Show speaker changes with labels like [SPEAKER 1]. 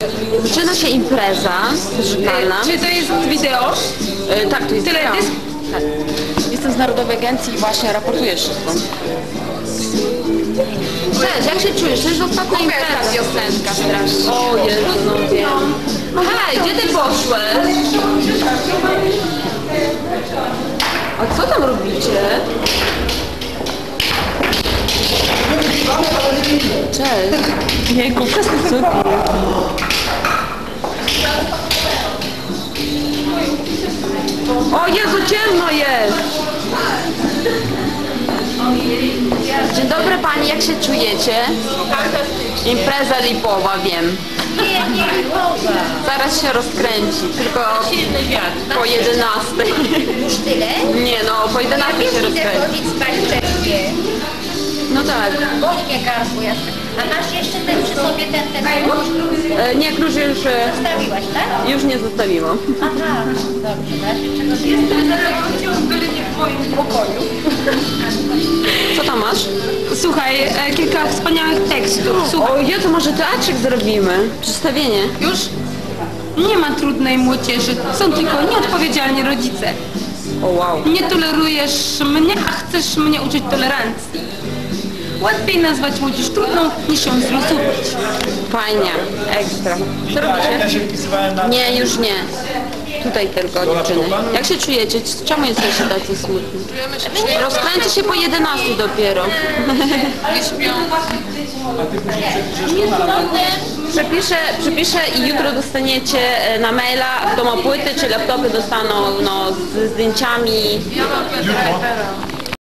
[SPEAKER 1] Zaczyna się impreza pożegnalna.
[SPEAKER 2] Czy to jest wideo?
[SPEAKER 1] Tak, to jest
[SPEAKER 2] Teledysk?
[SPEAKER 1] Tak. Jestem z Narodowej Agencji i właśnie raportuję wszystko. Cześć, jak się czujesz? To jest ostatnia impreza.
[SPEAKER 2] Piosenka strasznie.
[SPEAKER 1] O Jezu, no wiem. Hej, gdzie ty poszłeś? A co tam robicie? Cześć. Jejku, przestań sobie. O Jezu, ciemno jest! Dzień dobry Pani, jak się czujecie? Impreza lipowa, wiem.
[SPEAKER 3] Nie lipowa.
[SPEAKER 1] Zaraz się rozkręci, tylko
[SPEAKER 3] Silny wiatr.
[SPEAKER 1] po 11.
[SPEAKER 3] Już tyle?
[SPEAKER 1] Nie no, po 11 się
[SPEAKER 3] Idę
[SPEAKER 1] rozkręci.
[SPEAKER 3] chodzić spać wcześniej.
[SPEAKER 1] No tak.
[SPEAKER 3] Boli mnie gardło. A masz jeszcze ten przy sobie ten klucz?
[SPEAKER 1] Nie, klucz już,
[SPEAKER 3] Zostawiłaś, tak?
[SPEAKER 1] już nie zostawiłam.
[SPEAKER 3] Aha, dobrze. Masz jeszcze go jest.
[SPEAKER 2] W moim pokoju.
[SPEAKER 1] Co tam masz?
[SPEAKER 2] Słuchaj, kilka wspaniałych tekstów. Słuchaj,
[SPEAKER 1] O Jezu, może teatrzyk zrobimy? Przedstawienie.
[SPEAKER 2] już nie ma trudnej młodzieży, są tylko nieodpowiedzialni rodzice.
[SPEAKER 1] O wow.
[SPEAKER 2] Nie tolerujesz mnie, a chcesz mnie uczyć tolerancji. Łatwiej nazwać młodzież trudną, niż ją zrozumieć.
[SPEAKER 1] Fajnie, ekstra. Co robicie?
[SPEAKER 4] Ja się wpisywałem na...
[SPEAKER 1] Nie, już nie. Tutaj tylko dziewczyny. Jak się czujecie? Czemu jesteście tacy smutni? Rozkręci się po 11 dopiero. Przepiszę i jutro dostaniecie na maila domopłyty czy laptopy dostaną no, z zdjęciami.